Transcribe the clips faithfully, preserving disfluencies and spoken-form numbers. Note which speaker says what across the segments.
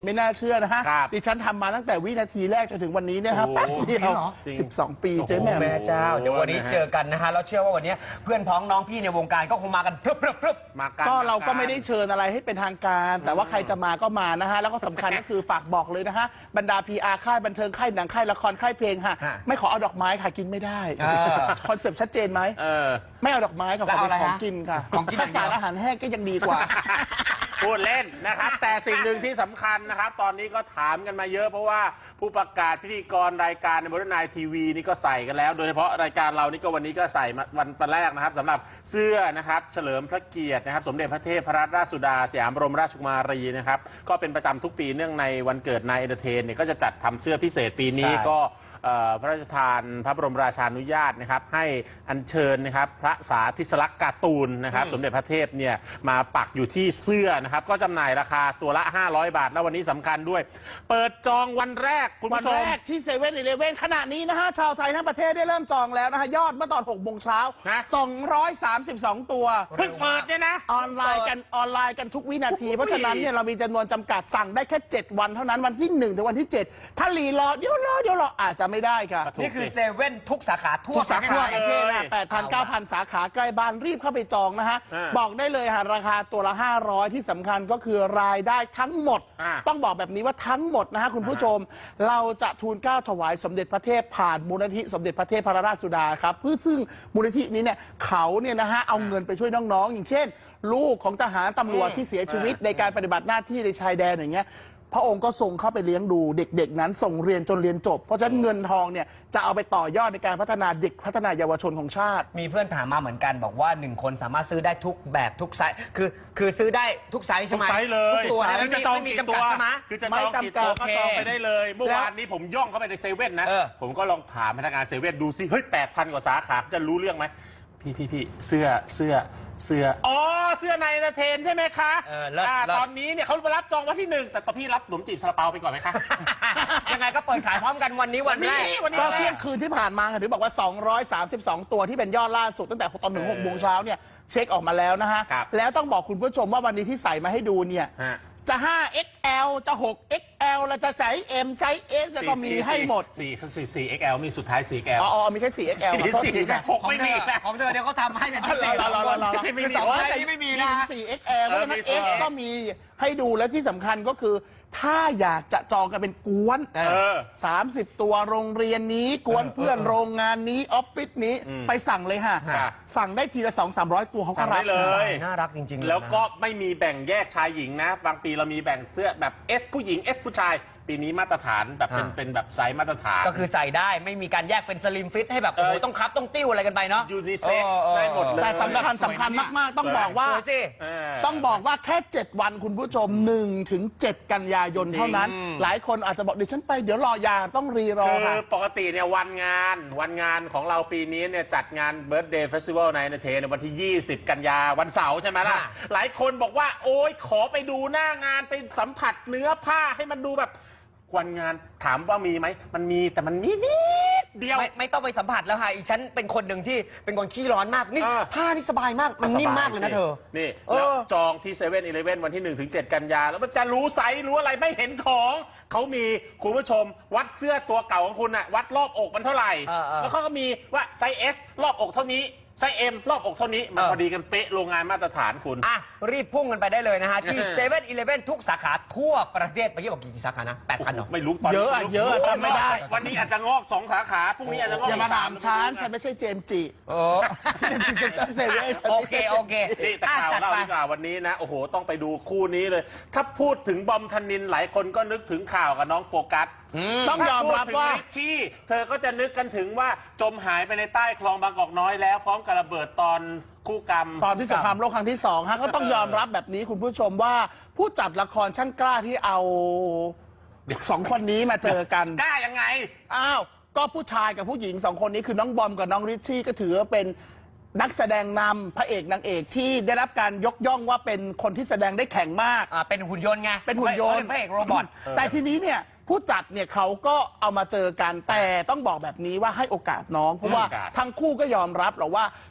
Speaker 1: ไม่น่าเชื่อนะฮะดิฉันทำมาตั้งแต่วินาทีแรกจนถึงวันนี้เนี่ยครับแป๊บเดียวสิบสองปีเจ๊แม่แม่
Speaker 2: เจ้าเดี๋ยววันนี้เจอกันนะฮะแล้วเชื่อว่าวันนี้เพื่อนพ้องน้องพี่ในวงการก็คงมากันพรึบพรึบพรึบ
Speaker 1: มากันก็เราก็ไม่ได้เชิญอะไรให้เป็นทางการ แต่ว่าใครจะมาก็มานะฮะแล้วก็สำคัญก็คือฝากบอกเลยนะฮะบรรดา พี อาร์ ค่ายบันเทิงค่ายหนังค่ายละครค่ายเพลงฮะไม่ขอเอาดอกไม้ค่ะกินไม่ได้คอนเซปต์ชัดเจนไหมไม่เอาดอกไม้กับของกินค่ะข้าวสารอาหารแห้งก็ยังดีกว่า
Speaker 3: พูดเล่นนะครับแต่สิ่งหนึ่งที่สำคัญนะครับตอนนี้ก็ถามกันมาเยอะเพราะว่าผู้ประกาศพิธีกรรายการในบริษัททีวีนี่ก็ใส่กันแล้วโดยเฉพาะรายการเรานี่ก็วันนี้ก็ใส่วันวันแรกนะครับสำหรับเสื้อนะครับเฉลิมพระเกียรตินะครับสมเด็จพระเทพรัตนราชสุดาสยามบรมราชกุมารีนะครับก็เป็นประจำทุกปีเนื่องในวันเกิดนายเอนเตอร์เทนเนี่ยก็จะจัดทำเสื้อพิเศษปีนี้ก็พระราชทานพระบรมราชานุญาตนะครับให้อัญเชิญนะครับพระสาธิสลักษณ์การ์ตูนนะครับสมเด็จพระเทพเนี่ยมาปักอยู่ที่เสื้อนะครับก็จำหน่ายราคาตัวละห้าร้อยบาทแล้ววันนี้สำคัญด้วยเปิดจองวันแรกคุณผู้ชม
Speaker 1: วันแรกที่เซเว่นอีเลฟเว่นขณะนี้นะฮะชาวไทยทั้งประเทศได้เริ่มจองแล้วนะฮะยอดเมื่อตอนหกโมงเช้าสองร้อยสามสิบสองตัว
Speaker 3: เพิ่งเปิดเนี่ยนะ
Speaker 1: ออนไลน์กันออนไลน์กันทุกวินาทีเพราะฉะนั้นเนี่ยเรามีจำนวนจำกัดสั่งได้แค่เจ็ดวันเท่านั้นวันที่หนึ่งถึงวันที่เจ็ดถ้ารีรอเดี๋ยวรอเดี๋ยวรออาจจะไม่ได้ค่ะ
Speaker 2: นี่คือเซเว่นทุกสาขาทั่ว
Speaker 1: สาขาประเทศนะแปดพันเก้าพันสาขาใกล้บ้านรีบเข้าไปจองนะฮะบอกได้เลยฮะราคาตัวละห้าร้อยที่สำคัญก็คือรายได้ทั้งหมดต้องบอกแบบนี้ว่าทั้งหมดนะฮะคุณผู้ชมเราจะทูลเกล้าถวายสมเด็จพระเทพผ่านมูลนิธิสมเด็จพระเทพพระราชสุดาครับเพื่อซึ่งมูลนิธินี้เนี่ยเขาเนี่ยนะฮะเอาเงินไปช่วยน้องๆอย่างเช่นลูกของทหารตำรวจที่เสียชีวิตในการปฏิบัติหน้าที่ในชายแดนอย่างเงี้ยพระองค์ก็ส่งเข้าไปเลี้ยงดูเด็กๆนั้นส่งเรียนจนเรียนจบเพราะฉะนั้นเงินทองเนี่ยจะเอาไปต่อยอดในการพัฒนาเด็กพัฒนาเยาวชนของชาติ
Speaker 2: มีเพื่อนถามมาเหมือนกันบอกว่าหนึ่งคนสามารถซื้อได้ทุกแบบทุกไซส์คือคือซื้อได้ทุกไซส์ใช่ไหม
Speaker 3: ทุกไซส์เลย
Speaker 2: ทุกตัวนะ
Speaker 3: จะจอง
Speaker 2: กี่
Speaker 3: ตัว
Speaker 2: ใช่ไหม
Speaker 3: คือจะจองกี่ตัวก็จองไปได้เลยเมื่อวานนี้ผมย่องเข้าไปในเซเว่นนะผมก็ลองถามพนักงานเซเว่นดูซิเฮ้ยแปดพันกว่าสาขาจะรู้เรื่องไหมพี่พี่พี่เสื้อเสื้อเสื้ออ๋อเสื้อในนาเทนใช่ไหมคะตอนนี้เนี่ยเขารับจองวันที่หนึ่งแต่ตอนพี่รับขนมจีบซาลาเปาไปก่อนไหมคะ
Speaker 2: ยังไงก็เปิดขายพร้อมกันวันนี้วันแรก
Speaker 1: ก็เที่ยงคืนที่ผ่านมาถือบอกว่าสองร้อยสามสิบสองตัวที่เป็นยอดล่าสุดตั้งแต่ตอนถึงหกโมงเช้าเนี่ยเช็คออกมาแล้วนะฮะแล้วต้องบอกคุณผู้ชมว่าวันนี้ที่ใส่มาให้ดูเนี่ยจะ ห้า เอ็กซ์ แอล จะ หก เอ็กซ์ แอล แล้วจะไซส์ M ไซส์ S แล้วก็มีให้หมด
Speaker 3: สี่ สี่ เอ็กซ์ แอล มีสุดท้าย สี่ เอ็กซ์ แอล
Speaker 1: อ๋อมีแค่ สี่ เอ็กซ์ แอล
Speaker 3: หกไม่มี
Speaker 2: ของเธอเดี๋ยวเขาทำให้เป็นพิเศษ
Speaker 1: ไม่มีแต่ว่าไม่มีนะ สี่ เอ็กซ์ แอล เพราะฉะนั้น S ก็มีให้ดูและที่สำคัญก็คือถ้าอยากจะจองกันเป็นกวนสามสิบตัวโรงเรียนนี้กวนเพื่อนโรงงานนี้ออฟฟิศนี้ไปสั่งเลยค่ะสั่งได้ทีละสองสามร้อยตัวเขาก็รับ
Speaker 3: เลย
Speaker 2: น่ารักจริงๆ
Speaker 3: แล้วก็ไม่มีแบ่งแยกชายหญิงนะบางปีเรามีแบ่งเสื้อแบบ S ผู้หญิง S ผู้ชายปีนี้มาตรฐานแบบเป็นเป็นแบบไซส์มาตรฐาน
Speaker 2: ก็คือใส่ได้ไม่มีการแยกเป็นสลิมฟิตให้แบบโอ้โหต้องคับต้องติ้วอะไรกันไปเนาะ
Speaker 3: ยูนิเซ็กได้หมดเลย
Speaker 1: แต่สำคัญสำคัญมากๆต้องบอกว่าต้องบอกว่าแค่เจ็ดวันคุณผู้ชมหนึ่งถึงเจ็ดกันยายนเท่านั้นหลายคนอาจจะบอกดิฉันไปเดี๋ยวรอยาต้องรีรอ
Speaker 3: ค่ะคือปกติเนี่ยวันงานวันงานของเราปีนี้เนี่ยจัดงานเบิร์ธเดย์เฟสติวัลในเนเธในวันที่ยี่สิบกันยาวันเสาร์ใช่ไหมล่ะหลายคนบอกว่าโอ๊ยขอไปดูหน้างานไปสัมผัสเนื้อผ้าให้มันดูแบบวันงานถามว่ามีไหมมันมีแต่มันนิดนิดเดียว
Speaker 2: ไม่ไม่ต้องไปสัมผัสแล้วค่ะอีฉันเป็นคนหนึ่งที่เป็นคนขี้ร้อนมากนี่ผ้านี่สบายมากมันนิ่มมากเลยนะเธอ
Speaker 3: นี่แล้วจองที่เซเว่นอีเลฟเว่นวันที่หนึ่งถึงเจ็ดกันยาแล้วมันจะรู้ไซส์รู้อะไรไม่เห็นของเขามีคุณผู้ชมวัดเสื้อตัวเก่าของคุณอะวัดรอบอกมันเท่าไหร่แล้วเขาก็มีว่าไซส์ S รอบอกเท่านี้ไซส์ M รอบอกเท่านี้มันพอดีกันเป๊ะโรงงานมาตรฐานคุณ
Speaker 2: อ่ะรีบพุ่งกันไปได้เลยนะฮะที่เซเว่นอีเลฟเว่นทุกสาขาทั่วประเทศไปยี่บอกกี่สาขานะแปดพันหรอ
Speaker 3: ไม่รู้
Speaker 1: เยอะเยอะจำไม่ได้
Speaker 3: วันนี้อาจจะงอกสองสาขาพรุ่งนี้อาจจะงอก
Speaker 1: อย่ามาถามฉันฉันไม่ใช่เจมจิ
Speaker 2: โอ้
Speaker 1: เซเว่น
Speaker 2: โอเคโอเค
Speaker 3: นี่แต่ข่าวเล่าดีกว่าวันนี้นะโอ้โหต้องไปดูคู่นี้เลยถ้าพูดถึงบอมธนินหลายคนก็นึกถึงข่าวกับน้องโฟกัส
Speaker 1: ต้องยอมรับว่า
Speaker 3: ริชชี่เธอก็จะนึกกันถึงว่าจมหายไปในใต้คลองบางกอกน้อยแล้วพร้อมกับระเบิดตอนคู่กรรม
Speaker 1: ตอนที่สงครามโลกครั้งที่สองฮะก็ต้องยอมรับแบบนี้คุณผู้ชมว่าผู้จัดละครช่างกล้าที่เอาสองคนนี้มาเจอกัน
Speaker 3: กล้ายังไง
Speaker 1: อ้าวก็ผู้ชายกับผู้หญิงสองคนนี้คือน้องบอมกับน้องริชชี่ก็ถือว่าเป็นนักแสดงนำพระเอกนางเอกที่ได้รับการยกย่องว่าเป็นคนที่แสดงได้แข็งมาก
Speaker 2: อ่าเป็นหุ่นยนต์ไง
Speaker 1: เป็นหุ่นยนต์
Speaker 2: พระเอกโรบอท
Speaker 1: แต่ทีนี้เนี่ยผู้จัดเนี่ยเขาก็เอามาเจอกันแต่ต้องบอกแบบนี้ว่าให้โอกาสน้องเพราะว่าทั้งคู่ก็ยอมรับหรอกว่า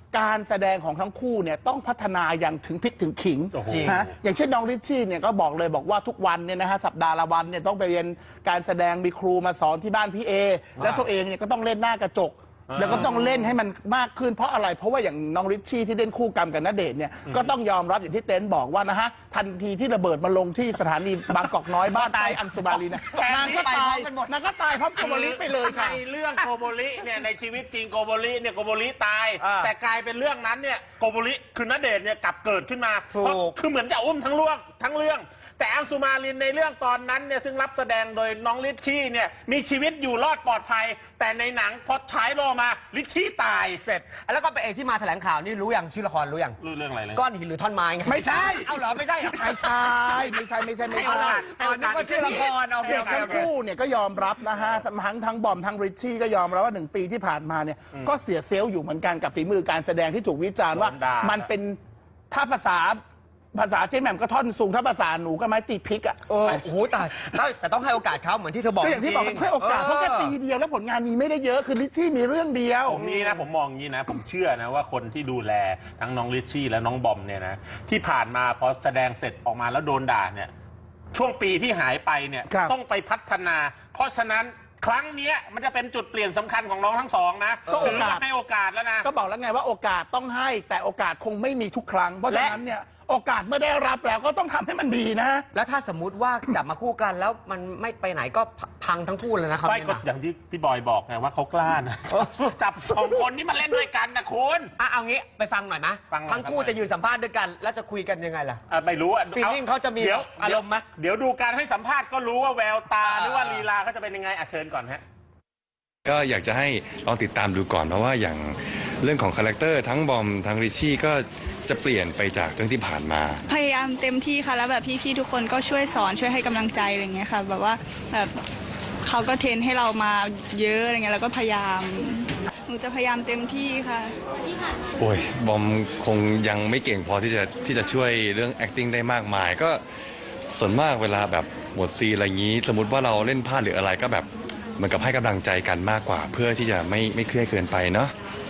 Speaker 1: การแสดงของทั้งคู่เนี่ยต้องพัฒนาอย่างถึงพริกถึงขิง
Speaker 3: โอ้โห
Speaker 1: ฮะอย่างเช่นน้องริชชี่เนี่ยก็บอกเลยบอกว่าทุกวันเนี่ยนะฮะสัปดาห์ละวันเนี่ยต้องไปเรียนการแสดงมีครูมาสอนที่บ้านพี่เอแล้วตัวเองเนี่ยก็ต้องเล่นหน้ากระจกแล้วก็ต้องเล่นให้มันมากขึ้นเพราะอะไรเพราะว่าอย่างน้องริชชี่ที่เล่นคู่กรรมกับณเดชน์เนี่ยก็ต้องยอมรับอย่างที่เต้นบอกว่านะฮะทันทีที่ระเบิดมาลงที่สถานีบางกอกน้อยบ้านใต้อังสุมาลีนะนางก็ตายนางก็ตายพร้อมโกโบลิไปเลยค่ะ
Speaker 3: ในเรื่องโกโบลิเนี่ยในชีวิตจริงโกโบลิเนี่ยโกโบลิตาย
Speaker 2: อ่า
Speaker 3: แต่กลายเป็นเรื่องนั้นเนี่ยโกโบลิคือณเดชน์เนี่ยกลับเกิดขึ้นมา
Speaker 2: ถูก
Speaker 3: เพราะคือเหมือนจะอุ้มทั้งเรื่องทั้งเรื่อง แต่อังสุมาลินในเรื่องตอนนั้นเนี่ยซึ่งรับแสดงโดยน้องลิชชี่เนี่ยมีชีวิตอยู่รอดปลอดภัย แต่ในหนังพอฉายรอมาลิชชี่ตาย
Speaker 2: เสร็จแล้วก็ไปเอกที่มาแถลงข่าวนี่รู้ยังชื่อละครรู้ยัง
Speaker 3: รู้เรื่องอะไรเลย
Speaker 2: ก้อนหินหรือท่อนไม้ไง
Speaker 1: ไม่ใช่
Speaker 2: เอาเหรอไม่ใช่เหรอ
Speaker 1: ไม่ใช่ ไม่ใช่ ไม่ใช่ ไม่
Speaker 3: ให้
Speaker 1: ใช่
Speaker 3: โอกาส
Speaker 2: อ๋อนึกว่าชื่อละครเอา
Speaker 1: เด็กทั้งคู่เนี่ยก็ยอมรับนะฮะ ทั้งทั้งบอมทั้งริชชี่ก็ยอมรับว่าหนึ่งปีที่ผ่านมาเนี่ยก็เสียเซลล์อยู่เหมือนกันกับฝีมือการแสดงที่ถูกวิจารณ์ว่า
Speaker 3: โดนด่ามั
Speaker 1: มันเป็นถ้าภาษาภาษาเจ๊แหม่มก็ท่อนสูงถ้าภาษาหนูก็ไม้ตีพริกอ่ะ
Speaker 2: เออโอ้โหแต่แต่ต้องให้โอกาสเขาเหมือนที่เธอบอก
Speaker 1: ก็อย่างที่บอก
Speaker 2: จริงๆ
Speaker 1: ให้โอกาสเพราะแค่ปีเดียวแล้วผลงานมีไม่ได้เยอะคือริชชี่มีเรื่องเดียว
Speaker 3: ผมนี่นะผมมองอย่างนี้นะ ผมเชื่อนะว่าคนที่ดูแลทั้งน้องลิชชี่และน้องบอมเนี่ยนะที่ผ่านมาพอแสดงเสร็จออกมาแล้วโดนด่าเนี่ยช่วงปีที่หายไปเนี่ย
Speaker 1: ครับ
Speaker 3: ต้องไปพัฒนา เพราะฉะนั้นครั้งเนี้ยมันจะเป็นจุดเปลี่ยนสำคัญของน้องทั้งสองนะ
Speaker 1: ก็โอกาส
Speaker 3: ถืว่าให้โอกาสแล้วนะ
Speaker 1: ก็บอกแล้วไงว่าโอกาสต้องให้แต่โอกาสคงไม่มีทุกครั้ง เพราะฉะนั้นเนี่ยโอกาสเมื่อได้รับแล้วก็ต้องทำให้มันดีนะ
Speaker 2: แล้วถ้าสมมุติว่ากลับมาคู่กันแล้วมันไม่ไปไหนก็พังทั้งคู่เลยนะครับ
Speaker 3: ไม่ก็อย่างที่พี่บอยบอกไงว่าเขากล้านะ จับสองคนนี้มาเล่นด้วยกันนะคุณ
Speaker 2: อ่ะเอางี้ไปฟังหน่อยนะ
Speaker 3: ฟังหน่อย
Speaker 2: ทั้งคู่
Speaker 3: ฟังหน่อย
Speaker 2: จะยืนสัมภาษณ์ด้วยกัน แล้วจะคุยกันยังไงล่ะ
Speaker 3: อ่ะไม่รู้อ่ะ
Speaker 2: Feeling เขาจะมี
Speaker 3: ดี๋ยว
Speaker 2: อารมณ์ไหม
Speaker 3: เดี๋ยวดูการให้สัมภาษณ์ก็รู้ว่าแววตา
Speaker 2: อ่า
Speaker 3: หรือว่าลีลาเขาจะเป็นยังไงอ่ะเชิญก่อนฮะ
Speaker 4: ก็อยากจะให้ลองติดตามดูก่อนเพราะว่าอย่างเรื่องของคาแรคเตอร์ทั้งบอมทั้งริชชี่ก็จะเปลี่ยนไปจากเรื่องที่ผ่านมา
Speaker 5: พยายามเต็มที่ค่ะแล้วแบบพี่ๆทุกคนก็ช่วยสอนช่วยให้กำลังใจอะไรเงี้ยค่ะแบบว่าแบบเขาก็เทรนให้เรามาเยอะอะไรเงี้ยแล้วก็พยายามหนูจะพยายามเต็มที่ค่ะ
Speaker 4: โอ้ยบอมคงยังไม่เก่งพอที่จะที่จะช่วยเรื่อง acting ได้มากมาย ก็ส่วนมากเวลาแบบหมดซีนอะไรอย่างนี้ สมมติว่าเราเล่นพลาดหรืออะไรก็แบบเหมือนกับให้กำลังใจกันมากกว่า เพื่อที่จะไม่ไม่เครียดเกินไปเนาะ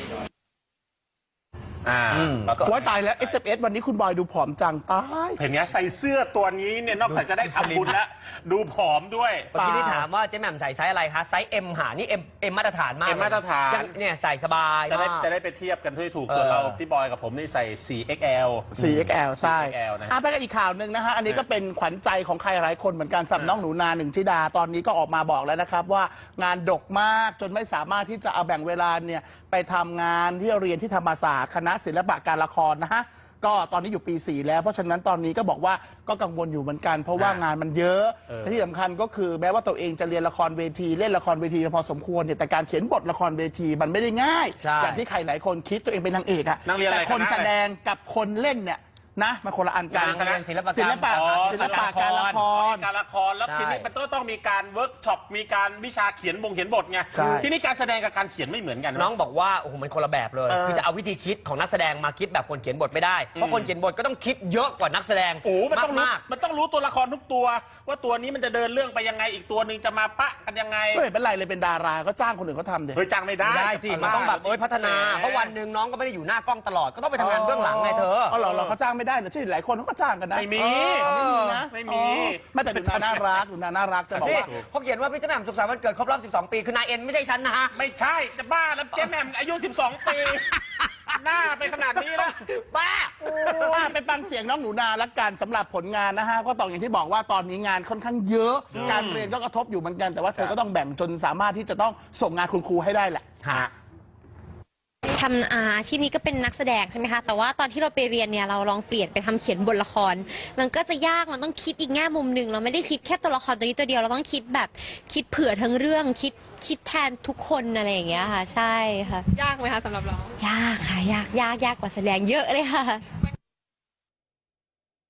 Speaker 3: อ่า
Speaker 2: อืม
Speaker 3: แล้วก็
Speaker 1: โอ้ยตายแล้ว เอส เอฟ เอส วันนี้คุณบอยดูผอมจังตาย
Speaker 3: เห็นไงใส่เสื้อตัวนี้เนี่ยนอกจากจะได้ทำบุญแล้ว ดูผอมด้วย
Speaker 2: เมื่อกี้ที่ถามว่าเจ๊แหม่มใส่ไซส์อะไรคะไซส์ M หานี่ M M มาตรฐานมาก
Speaker 3: M มาตรฐาน
Speaker 2: ยังเนี่ยใส่สบาย
Speaker 3: จะได้
Speaker 2: มาก
Speaker 3: จะได้ไปเทียบกันที่ถูก
Speaker 2: เออ
Speaker 3: ส่วนเราพี่บอยกับผมนี่ใส่ โฟร์ เอ็กซ์ แอล
Speaker 1: โฟร์ เอ็กซ์ แอล ใช่
Speaker 3: โฟร์ เอ็กซ์ แอล นะ
Speaker 1: อ่ะไปกันอีกข่าวหนึ่งนะฮะ อันนี้ก็เป็นขวัญใจของใครหลายคนเหมือนกันสำหรับน้องหนูนาหนึ่งธิดา ตอนนี้ก็ออกมาบอกแล้วนะครับว่างานดกมากจนไม่สามารถที่จะเอาแบ่งเวลาเนี่ยไปทำงานที่เรียนที่ธรรมศาสตร์คณะศิลปะการละครนะฮะ ก็ตอนนี้อยู่ปีสี่แล้วเพราะฉะนั้นตอนนี้ก็บอกว่าก็กังวลอยู่เหมือนกัน เพราะว่างานมันเยอะและที่สำคัญก็คือแม้ว่าตัวเองจะเรียนละครเวทีเล่นละครเวทีพอสมควรเนี่ยแต่การเขียนบทละครเวทีมันไม่ได้ง่าย
Speaker 2: ใช่
Speaker 1: อย่างที่ใครหลายคนคิดตัวเองเป็นนางเอกอะ
Speaker 3: นางเรียนอะไร
Speaker 1: แต่คน
Speaker 3: คณะอะไร
Speaker 1: แสดงกับคนเล่นเนี่ยนะมันคนละอันกัน
Speaker 2: นางเรียนศิลปกรรม
Speaker 1: ศิลปะ
Speaker 3: อ๋อ
Speaker 1: ศิลปะการละคร
Speaker 3: การละครแล้ว
Speaker 2: ใช่
Speaker 3: ทีนี้มันก็ต้องมีการเวิร์กช็อปมีการวิชาเขียนบงเขียนบทไง
Speaker 1: ใช่
Speaker 3: ทีนี้การแสดงกับการเขียนไม่เหมือนกัน
Speaker 2: น้องบอกว่าโอ้โหมันคนละแบบเลย
Speaker 3: เออ
Speaker 2: คือจะเอาวิธีคิดของนักแสดงมาคิดแบบคนเขียนบทไม่ได้ เพราะคนเขียนบทก็ต้องคิดเยอะกว่านักแสดง
Speaker 3: โอ้มันต้องรู้
Speaker 2: มาก
Speaker 3: มันต้องรู้ตัวละครทุกตัว ว่าตัวนี้มันจะเดินเรื่องไปยังไงอีกตัวหนึ่งจะมาปะกันยังไง
Speaker 1: ก็เห็นเป็นไรเลยเป็นดาราก็จ้างคนอื่นเขาทำเด็
Speaker 3: เฮ้ยจ้างไม่
Speaker 2: ๆ
Speaker 3: ได้
Speaker 2: ไม่ได้สิ มันต้องแบบเอ้ยพัฒนา
Speaker 3: แหม
Speaker 2: เพราะวันหนึ่งน้องก็ไม่ได้อยู่หน้ากล้องตลอด ก็ต้องไปทำงานเบื้องหลังไงเธอ
Speaker 1: อ๋อเหรอเหรอเขาจ้างไม่ได้เหรอใช่หลายคนเขาก็จ้างกันนะ
Speaker 3: ไม่มี
Speaker 1: อ๋อไม่มีนะ
Speaker 3: ไม่มี
Speaker 1: อ๋อไม่แต่หนูนาน่ารักหนูนาน่ารักจะบอก
Speaker 2: นี่
Speaker 1: ว่า
Speaker 2: เขาเขียนว่าพี่เจ้าแหม่มสุขสันต์วันเกิดครบรอบ สิบสอง ปี คือนายเอ็นไม่ใช่ฉันนะฮะ
Speaker 3: ไม่ใช่จะบ้าแล้วเจ๊แหม่มอายุ สิบสอง ปี หน้าไปขนาดนี้แล้ว
Speaker 2: บ้า
Speaker 1: อ่ะไปฟังเสียงน้องหนูนาละกันสำหรับผลงานนะฮะก็ต้องอย่างที่บอกว่าตอนนี้งานค่อนข้างเยอะ การเรียนก็กระทบอยู่เหมือนกัน แต่ว่าเธอก็ต้องแบ่งจนสามารถที่จะต้องส่งงานคุณครูให้ได้แหละ
Speaker 6: ทำอาอาชีพนี้ก็เป็นนักแสดงใช่ไหมคะ แต่ว่าตอนที่เราไปเรียนเนี่ยเราลองเปลี่ยนไปทำเขียนบทละคร มันก็จะยาก มันต้องคิดอีกแง่มุมหนึ่งเราไม่ได้คิดแค่ตัวละครตัวนี้ตัวเดียว เราต้องคิดแบบคิดเผื่อทั้งเรื่อง คิดคิดแทนทุกคนอะไรอย่างเงี้ยค่ะ ใช่ค่ะ
Speaker 5: ยากไหมคะสำหรับเรา
Speaker 6: ยากค่ะ ยากยากยากกว่าแสดงเยอะเลยค่ะ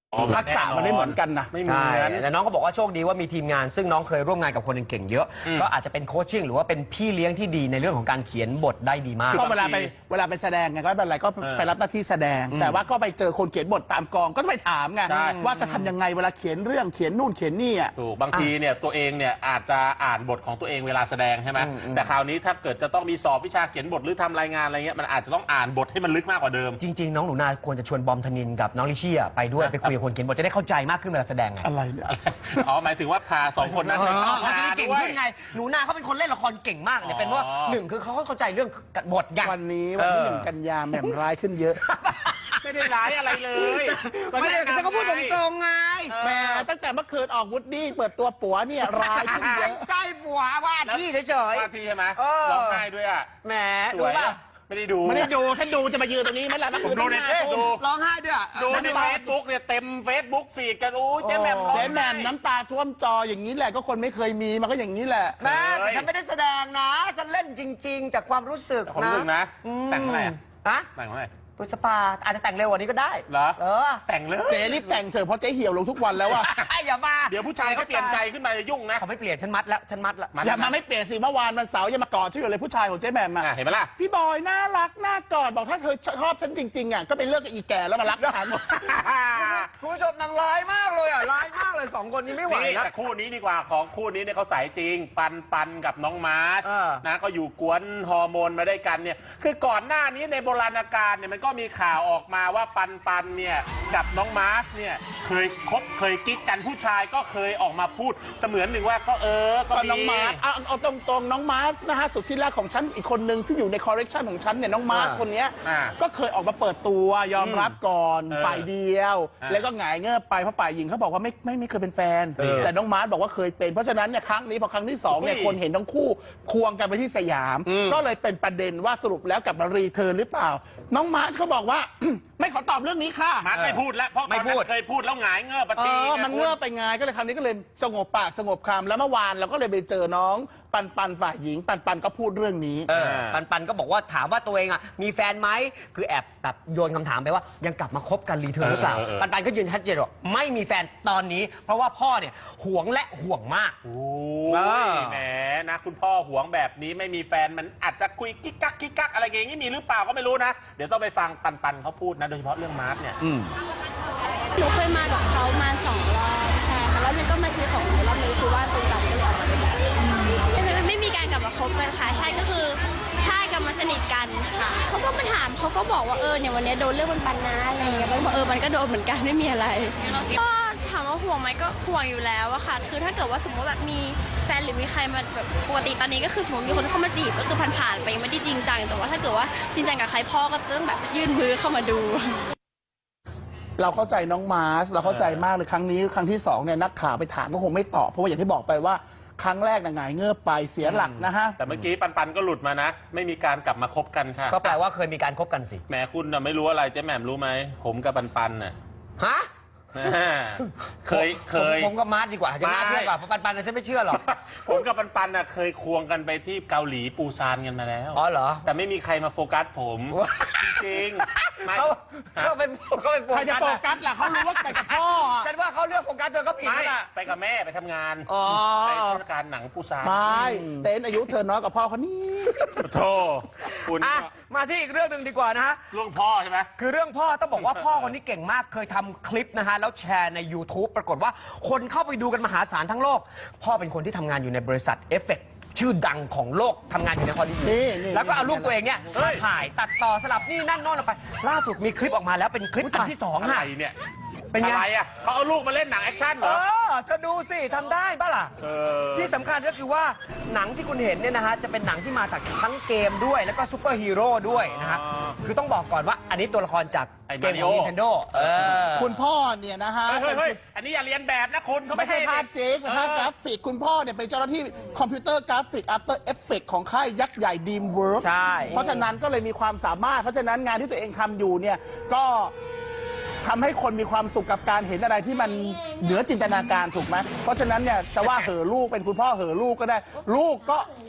Speaker 1: ทักษะมันไม่เหมือนกันนะ
Speaker 3: ไม่เหมื
Speaker 2: ใช่
Speaker 3: อน
Speaker 2: แต่น้องก็บอกว่าโชคดีว่ามีทีมงานซึ่งน้องเคยร่วมงานกับคนเก่งๆเยอะ ก็อาจจะเป็นโคชชิ่งหรือว่าเป็นพี่เลี้ยงที่ดีในเรื่องของการเขียนบทได้ดีมาก
Speaker 1: ก็เวลาไปเวลาไปแสดงไงก็ไม่เป็นไรก็ไปรับหน้าที่แสดง แต่ว่าก็ไปเจอคนเขียนบทตามกองก็ไปถามไง
Speaker 3: ใช่
Speaker 1: ว่าจะทำยังไงเวลาเขียนเรื่องเขียนนู่นเขียนนี่อ่ะ
Speaker 3: ถูกบางทีเนี่ยตัวเองเนี่ยอาจจะอ่านบทของตัวเองเวลาแสดงใช่ไหมแต่คราวนี้ถ้าเกิดจะต้องมีสอบวิชาเขียนบทหรือทำรายงานอะไรเงี้ยมันอาจจะต้องอ่านบทให้มันลึกมากกว่าเดิม
Speaker 2: จริงๆ น้องหนูนาควรจะชวนบอมธนินกับน้องลิชี่อะไปด้วยไปคุยกับคนเขียนบทจะได้เข้าใจมากขึ้นเวลาแสดงไง
Speaker 1: อะไรเนี่ย
Speaker 3: อ๋อหมายถึงว่าพาสองคนนั้นไป
Speaker 2: อ๋อ
Speaker 3: เข้า
Speaker 2: เขาจะ
Speaker 3: งา
Speaker 2: ได้
Speaker 3: น
Speaker 2: เก่ง
Speaker 3: ด้วย
Speaker 2: ขึ้นไงหนูนาเขาเป็นคนเล่นละครเก่งมากเนี่ยเป็นว่า
Speaker 3: อ๋อ
Speaker 2: หนึ่งคือเขาเข้าใจเรื่องบทไง
Speaker 1: วันนี้วันที่หนึ่งกันยาแหม่มร้ายขึ้นเยอะ
Speaker 3: ไม่ได้ร้ายอะไรเลย
Speaker 2: ไม่ได้ฉันก็พูดตรงๆไง
Speaker 1: แหม่ตั้งแต่เมื่อคืนออกวูดดี้เปิดตัวปัวเนี่ยร้ายขึ้นเยอะ
Speaker 2: ใจปัวว่าที่เฉย
Speaker 3: ว่าพี่ใช่ไหม
Speaker 2: เออ
Speaker 3: ร้องไห้ด้วยอ่ะ
Speaker 2: ๆแหม
Speaker 3: ส
Speaker 2: ดู
Speaker 3: วย
Speaker 2: ป่ะ
Speaker 3: อะไม่ได้ดู
Speaker 1: ไม่ได้ดูถ้าดูจะมายืนตรงนี้ไหมล่ะ
Speaker 3: ผมดูในเฟซ
Speaker 1: ดู
Speaker 3: ดู
Speaker 2: ร้องไห้ด้วยอะ
Speaker 3: ดูในเฟซบุ๊กเนี่ยเต็มเฟซบุ๊กฟีดกันโอ้ยเจ๊แหม่มร้อง
Speaker 1: เจ๊
Speaker 3: ไห้
Speaker 1: แหม่มน้ำตาท่วมจออย่างนี้แหละก็คนไม่เคยมีมันก็อย่างนี้แหละ
Speaker 2: แม่แต่ฉันไม่ได้แสดงนะฉันเล่นจริง ๆ จากความรู้สึก
Speaker 3: ผม
Speaker 2: นะ
Speaker 3: รู้สึกนะ
Speaker 2: อืม
Speaker 3: แต่งเท่าไหร่อะ
Speaker 2: ฮะ
Speaker 3: แต่งเท่าไหร่
Speaker 2: ปุสปาอาจจะแต่งเร็วกว่านี้ก็ได้
Speaker 3: เหรอ
Speaker 2: เออ
Speaker 3: แต่งเลย
Speaker 1: เจ๊รีบแต่งเถอะเพราะเจ๊เหี่ยวลงทุกวันแล้วอะ
Speaker 2: อย่ามา
Speaker 3: เดี๋ยวผู้ชายเขาเปลี่ยนใจขึ้นมาจะยุ่งนะ
Speaker 2: เขาไม่เปลี่ยนฉันมัดแล้วฉันมัดแล้ว
Speaker 3: มัด
Speaker 1: อย่ามาไม่เปลี่ยนสิเมื่อวานวันเสาร์ยังมากอดชื่ออยู่เลยผู้ชายของเจ๊แหม่มอะ
Speaker 3: อ่ะเห็นไหมล่ะ
Speaker 1: พี่บอยน่ารักน่ากอดบอกถ้าเธอชอบฉันจริงๆอะก็ไปเลิกกับอีแก่แล้วมารักฉัน
Speaker 2: คุณผู้ชมนางร้ายมากเลยอ่ะร้ายมากเลยสองคนนี้ไม่ไหว
Speaker 3: นี่
Speaker 2: แล้ว
Speaker 3: แต่คู่นี้ดีกว่าของคู่นี้เนี่ยเขาสายจริง ปันปันกับน้องมาร์ช
Speaker 2: เออ
Speaker 3: นะก็อยู่กวนฮอร์โมนมาได้วยกันเนี่ยคือก่อนหน้านี้ในโบราณกาลเนี่ยมันก็มีข่าวออกมาว่าปันปันเนี่ยกับน้องมาร์ชเนี่ยเคยคบเคยกิ๊กกันผู้ชายก็เคยออกมาพูดเสมือนหนึ่งว่าก็เออก็
Speaker 1: ก็
Speaker 3: มี
Speaker 1: น้องมาร์สเอาเอาตรงๆน้องมาร์สนะฮะสุดที่รักของฉันอีกคนหนึ่งที่อยู่ในคอร์เรคชันของฉันเนี่ยน้องมาร์ส
Speaker 2: อ่า
Speaker 1: คนเนี้ย
Speaker 3: อ่า
Speaker 1: ก็เคยออกมาเปิดตัวยอมรับก่อน
Speaker 3: เออ
Speaker 1: ฝ่ายเดียว
Speaker 3: อ่า
Speaker 1: แล้วก็หงายเงิบไปเพราะฝ่ายหญิงเขาบอกว่าไม่ไม่ไม่เคยเป็นแฟน
Speaker 3: เออ
Speaker 1: แต่น้องมาร์สบอกว่าเคยเป็นเพราะฉะนั้นเนี่ยครั้งนี้พอครั้งที่สองเนี่ย
Speaker 3: อุ้ย
Speaker 1: คนเห็นทั้งคู่ควงกันไปที่สยาม
Speaker 3: อืม
Speaker 1: ก็เลยเป็นประเด็นว่าสรุปแล้วกลับมารีเทิร์นหรือเปล่า น้องมาร์สเขาบอกว่า ไม่ขอตอบเรื่องนี้ค่ะ
Speaker 3: มาร์ชไม่พูดแล้วเพราะต
Speaker 2: ไม่
Speaker 3: อน
Speaker 2: พู
Speaker 3: นั้
Speaker 2: ด
Speaker 3: นเคยพูดแล้วหงายเงือบป
Speaker 1: เอ
Speaker 3: ฏิ
Speaker 1: อมันเงือบไปไงก็เลยคราวนี้ก็เลยสงบปากสงบคำแล้วเมื่อวานเราก็เลยไปเจอน้องปันปันฝ่ายหญิง ปันปันก็พูดเรื่องนี้
Speaker 2: เออปันปันก็บอกว่าถามว่าตัวเองอ่ะมีแฟนไหมคือแอบแบบโยนคำถามไปว่ายังกลับมาคบกันรีเทิร์นหรือเปล่า
Speaker 3: เออเออเออ
Speaker 2: ปันปันก็ยืนชัดเจนว่าไม่มีแฟนตอนนี้ เพราะว่าพ่อเนี่ยหวงและห่วงมาก
Speaker 3: โอ้
Speaker 2: เอย อ
Speaker 3: แหมนะคุณพ่อหวงแบบนี้ไม่มีแฟนมันอาจจะคุยกิ๊กกักกิ๊กกักอะไรอย่างงี้มีหรือเปล่าก็ไม่รู้นะ เดี๋ยวต้องไปฟังปันปันเขาพูดนะโดยเฉพาะเรื่องมาร์ชเนี่ย
Speaker 7: หนูเคยมากับเขามาสองรอบใช่ค่ะแล้วหนูก็มาซื้อของในรอบนี้คือว่าตรงกันก็เลยออกมาด้วยกันไม่ไม่ไม่มีการกลับมาคบกันค่ะ ใช่ก็คือใช่กลับมาสนิทกันค่ะเขาก็มาถามเขาก็บอกว่าเออเนี่ยวันนี้โดนเรื่องมันปันนะอะไรอย่างเงี้ยมันก็บอกเออมันก็โดนเหมือนกันไม่มีอะไรก็ถามว่าห่วงไหมก็ห่วงอยู่แล้วอะค่ะ คือถ้าเกิดว่าสมมติแบบมีแฟนหรือมีใครมาแบบปกติตอนนี้ก็คือสมมติมีคนเข้ามาจีบก็คือผ่านๆไปยังไม่ได้จริงจังแต่ว่าถ้าเกิดว่าจริงจังกับใครพ่อก็จะต้องแบบยื่นมือเข้ามาดู
Speaker 1: เราเข้าใจน้องมาร์สเราเข้าใจมากเลยครั้งนี้ครั้งที่สองเนี่ยนักข่าวไปถามก็คงไม่ตอบเพราะว่าอย่างที่บอกไปว่าครั้งแรกน่ะหงายเงือบไปเสียหลักนะฮะ
Speaker 3: แต่เมื่อกี้ปันปันก็หลุดมานะ ไม่มีการกลับมาคบกันค่ะ
Speaker 2: ก็แปลว่าเคยมีการคบกันสิ
Speaker 3: แหมคุณน่ะไม่รู้อะไรเจ๊แหม่มรู้ไหมผมกับปันปันน่ะ
Speaker 2: ฮะ
Speaker 3: อ่าเคยเคย
Speaker 2: ผมผมก็มาร์ทดีกว่าจะน่า
Speaker 3: ไม่
Speaker 2: เชื่อกว่าเพราะปันปันน่ะฉันไม่เชื่อหรอก
Speaker 3: ผมกับปันปันน่ะเคยควงกันไปที่เกาหลีปูซานกันมาแล้ว
Speaker 2: อ๋อเหรอ
Speaker 3: แต่ไม่มีใครมาโฟกัสผม จริงๆไม่
Speaker 2: เขาเขาเป็นเขาเป็นโฟ
Speaker 1: ใครจะ
Speaker 2: กัส
Speaker 1: โฟ
Speaker 2: อะ
Speaker 1: กัสล่ะเขารู้ว่าไปกับพ่ออะ
Speaker 2: ฉันว่าเขาเลือกโฟกัสเธอก็ผิด
Speaker 3: ไม่
Speaker 2: แล้วล่ะ
Speaker 3: ไปกับแม่ไปทำงาน
Speaker 2: อ๋อ
Speaker 3: ไปเทศกาลหนังปูซาน
Speaker 1: ไม่เต้นอายุเธอน้อยกว่าพ่อเขานี่
Speaker 3: โธ่คุณ
Speaker 2: อ่ะมาที่อีกเรื่องหนึ่งดีกว่านะฮะ
Speaker 3: เรื่องพ่อใช่ไหม
Speaker 2: คือเรื่องพ่อต้องบอกว่าพ่อคนนี้เก่งมากเคยทำคลิปนะฮะ แล้วแชร์ใน YouTube ปรากฏว่าคนเข้าไปดูกันมหาศาลทั้งโลก พ่อเป็นคนที่ทำงานอยู่ในบริษัทเอฟเฟกชื่อดังของโลกทำงานอยู่ในฮอลลีวูด
Speaker 1: นี่นี่
Speaker 2: แล้วก็เอารูปตัวเองเนี่ย
Speaker 3: เฮ้
Speaker 2: มาย ถ่ายตัดต่อสลับนี่นั่นโน่นออกไป ล่าสุดมีคลิปออกมาแล้วเป็นคลิปอันที่สอง
Speaker 3: อะไร
Speaker 2: ฮะ
Speaker 3: เนี่ย
Speaker 2: เป็นไง
Speaker 3: อะไรอ่ะเขาเอาลูกมาเล่นหนังแอคชั่นเหร
Speaker 2: เอ
Speaker 3: อ
Speaker 2: อเธอดูสิทำได้ปะล่ะ
Speaker 3: เออ
Speaker 2: ที่สำคัญก็คือว่าหนังที่คุณเห็นเนี่ยนะฮะจะเป็นหนังที่มาจากทั้งเกมด้วยแล้วก็ซูเปอร์ฮีโร่ด้วยนะฮะ
Speaker 3: อ๋อ
Speaker 2: คือต้องบอกก่อนว่าอันนี้ตัวละครจาก
Speaker 3: ไอ้
Speaker 2: เกมของ
Speaker 3: Mario
Speaker 2: Nintendo เออ
Speaker 1: คุณพ่อเนี่ยนะฮะ
Speaker 3: เฮ้ยเฮ้ย
Speaker 1: เป็น
Speaker 3: เฮ้ยอันนี้อย่าเรียนแบบนะคุณเขา
Speaker 1: ไม่ใช่ภาพเจ๊กนะฮะ
Speaker 3: เออก
Speaker 1: ราฟิกคุณพ่อเนี่ยเป็นเจ้าหน้าที่คอมพิวเตอร์กราฟิก After Effects ของค่ายยักษ์ใหญ่ Dreamworks
Speaker 2: ใช่
Speaker 1: เพราะฉะนั้นก็เลยมีความสามารถ เพราะฉะนั้นงานที่ตัวเองทำอยู่เนี่ยก็ทำให้คนมีความสุขกับการเห็นอะไรที่มันเหนือจินตนาการถูกไหมเพราะฉะนั้นเนี่ยจะว่าเหอะลูกเป็นคุณพ่อเหอะลูกก็ได้ ลูกก็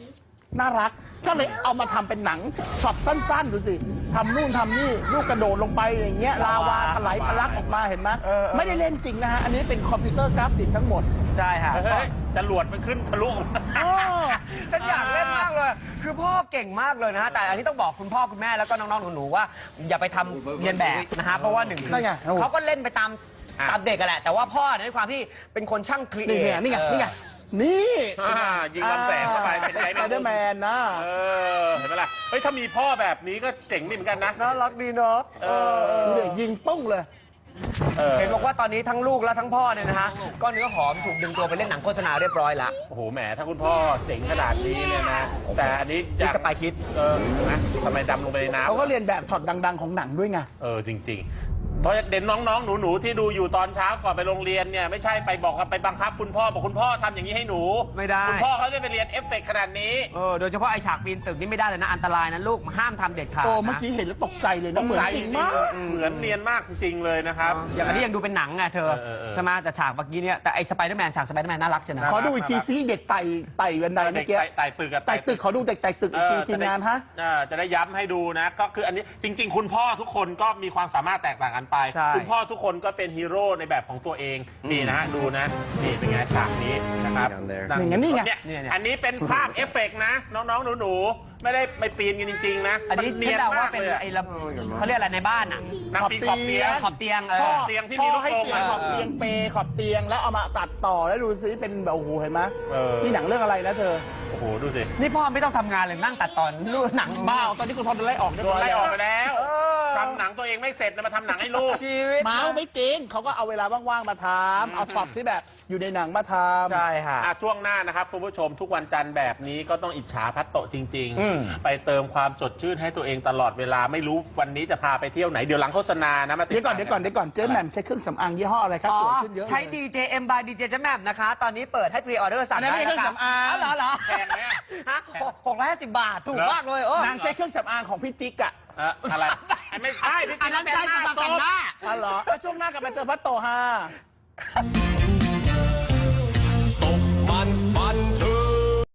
Speaker 1: น่ารักก็เลยเอามาทำเป็นหนังช็อตสั้นๆดูสิทำนู่นทำนี่ลูกกระโดดลงไปอย่างเงี้ยลาวาถลายทะลักออกมาเห็นไหมไม่ได้เล่นจริงนะฮะอันนี้เป็นคอมพิวเตอร์กราฟิกทั้งหมด
Speaker 2: ใช่ค่ะ
Speaker 3: เฮ้ยจรวดมันขึ้นทะลุ
Speaker 2: ฉันอยากเล่นมากเลย คือพ่อเก่งมากเลยนะฮะ แต่อันนี้ต้องบอกคุณพ่อคุณแม่แล้วก็น้องๆหนูๆว่าอย่าไปทำเรียนแบบนะฮะ เพราะว่าหนึ่งคือ
Speaker 1: นั่นไง
Speaker 2: เขาก็เล่นไปตามตามเด็กกันแหละ แต่ว่าพ่อในความที่เป็นคนช่างครีเอ
Speaker 1: นี่
Speaker 2: ท
Speaker 1: ไงนี่ไงนี่ไงนี่
Speaker 3: อ่ายิงลำแสงเข้าไปเป็นไง
Speaker 1: สไปเดอร์แมนนะ
Speaker 3: เออเห็นไหมล่ะเฮ้ยถ้ามีพ่อแบบนี้ก็เจ๋งดีเหมือนกันนะ
Speaker 2: น่ารักดีเนาะ
Speaker 3: เออ
Speaker 1: นี่ยิงปุ้งเลย
Speaker 3: เออ
Speaker 2: เห็นบอกว่าตอนนี้ทั้งลูกและทั้งพ่อเนี่ยนะฮะก็เนื้อหอมถูกดึงตัวไปเล่นหนังโฆษณาเรียบร้อยแล้ว
Speaker 3: โอ้โหแหมถ้าคุณพ่อเจ๋งขนาดนี้เนี่ยนะ แต่อันนี้
Speaker 2: ที่สไปคิด
Speaker 3: เออนะทำไมดำลงไปในน้ำ
Speaker 1: เขาก็เรียนแบบช็อตดัง ๆ ของหนังด้วยไง
Speaker 3: เออจริง ๆ เพราะเด็กน้องๆหนูๆที่ดูอยู่ตอนเช้าก่อนไปโรงเรียนเนี่ยไม่ใช่ไปบอกกับไปบังคับคุณพ่อบอกคุณพ่อทำอย่างนี้ให้หนู
Speaker 2: ไม่ได้
Speaker 3: คุณพ่อเขาได้ไปเรียนเอฟเฟกต์ขนาดนี้
Speaker 2: เออโดยเฉพาะไอฉากปีนตึกนี่ไม่ได้เลยนะอันตรายนะลูกห้ามทำเด็ดขาด
Speaker 1: โอ้
Speaker 2: นะ
Speaker 1: เมื่อกี้เห็นแล้วตกใจเลยนะเหมือนจริงมาก
Speaker 3: เหมือนเนียนมากจริงๆเลยนะครับ
Speaker 2: อย่างอันนี้ยังดูเป็นหนังไงเธอ
Speaker 3: เออเออ
Speaker 2: ใช่ไหมแต่ฉากเมื่อกี้เนี่ยแต่ไอสไปเดอร์แมนฉากสไปเดอร์แมนน่ารักใช่ไหม
Speaker 1: ขอดูอีกทีซิเด็กไต่ไต่บันไดเมื่อกี้
Speaker 3: ไต่ไต่ตึกอะ
Speaker 1: ไต่ตึกขอดูเด็กไต่ตึกอีกที
Speaker 3: เออ
Speaker 1: ทีมงานฮะ
Speaker 3: เออจะได้ย้ำให้ดูนะ ก็คืออันนี้จริง ๆ คุณพ่อทุกคนก็มีความสามารถแตกต่างกันไป
Speaker 2: ใช่
Speaker 3: คุณพ่อทุกคนก็เป็นฮีโร่ในแบบของตัวเองนี่นะฮะดูนะนี่เป็นไงฉากนี้นะครับ
Speaker 1: นี่ไงนี่ไง
Speaker 3: เนี่ยอันนี้เป็นภาพเอฟเฟกต์นะ น้องๆหนูๆไม่ได้ไปปีนกันจริง ๆ นะ
Speaker 2: อันนี้
Speaker 3: มั
Speaker 2: เนียนว่า
Speaker 3: ก
Speaker 2: เป็น
Speaker 3: ลยอะ
Speaker 2: ไอ้ระเขาเรียกอะไรในบ้านอ่ะ
Speaker 3: นักปีนขอบเตียง
Speaker 2: ขอบเตียงเอ
Speaker 1: พ่อ
Speaker 2: อ
Speaker 3: เตียงที่
Speaker 1: พ่
Speaker 3: มี
Speaker 1: อ
Speaker 3: ลูก
Speaker 1: ให้
Speaker 3: กรง
Speaker 1: เตียง
Speaker 3: อะ
Speaker 1: ขอบเตียงเปขอบเตียงแล้วเอามาตัดต่อแล้วดูซิเป็นแบบโอ้โหเห็นไหม
Speaker 3: เออ
Speaker 1: นี่หนังเรื่องอะไรนะเธอ
Speaker 3: โอ้โหดูสิ
Speaker 2: นี่พ่อไม่ต้องทำงานเลยนั่งตัดตอนนู่นหนัง
Speaker 1: บ้าตอนนี้คุณพ่อโดนไล่ออกเรียบ
Speaker 3: โด
Speaker 1: ร้
Speaker 3: น
Speaker 1: อย
Speaker 3: ไล่
Speaker 1: แล้ว
Speaker 3: ออกไปแล้ว
Speaker 2: เออ
Speaker 3: ทำหนังตัวเองไม่เสร็จนะมาทำหนังให้ลูก
Speaker 2: ชีวิต
Speaker 1: เมาส์ไม่จริงเขาก็เอาเวลาว่างๆมาทำเอาช็อตที่แบบอยู่ในหนังมาทำ
Speaker 2: ใช่ค่ะ
Speaker 3: อ่ะช่วงหน้านะครับคุณผู้ชมทุกวันจันทร์แบบนี้ก็ต้องอิจฉาพัตโตะจริง
Speaker 2: อืม
Speaker 3: ๆ ไปเติมความสดชื่นให้ตัวเองตลอดเวลาไม่รู้วันนี้จะพาไปเที่ยวไหนเดี๋ยวหลังโฆษณานะมาติ
Speaker 1: เดี๋ยวก่อนเดี๋ยวก่อนเดี๋ยวก่อนเจ๊แหม่มใช้เครื่องสำอางยี่ห้ออะไรครับสวยขึ้นเยอะเลย
Speaker 2: ใช้ ดี เจ เอ็ม by ดี เจ เจ๊แหม่มนะคะ ตอนนี้เปิดให้พรีออเดอร์สั่ง
Speaker 1: อันนั้น
Speaker 2: ได้
Speaker 1: ไม่ใช่
Speaker 2: นะ
Speaker 1: เครื่องสำอาง
Speaker 2: เหรอเหรอ
Speaker 3: แพงไหมอะ
Speaker 2: ฮะหกร้อยห้าสิบบาท ถูกมากเลยเออน
Speaker 1: างใช้เครื่องสำอางของพี่จิ๊กอะ
Speaker 3: เอ่ออะไรไม่ใช่พี่
Speaker 2: อันนั้นใช้สำหรับแต่งหน้า
Speaker 1: อ๋อเหรอแล้วช่วงหน้ากลับมาเจอพัตโตฮา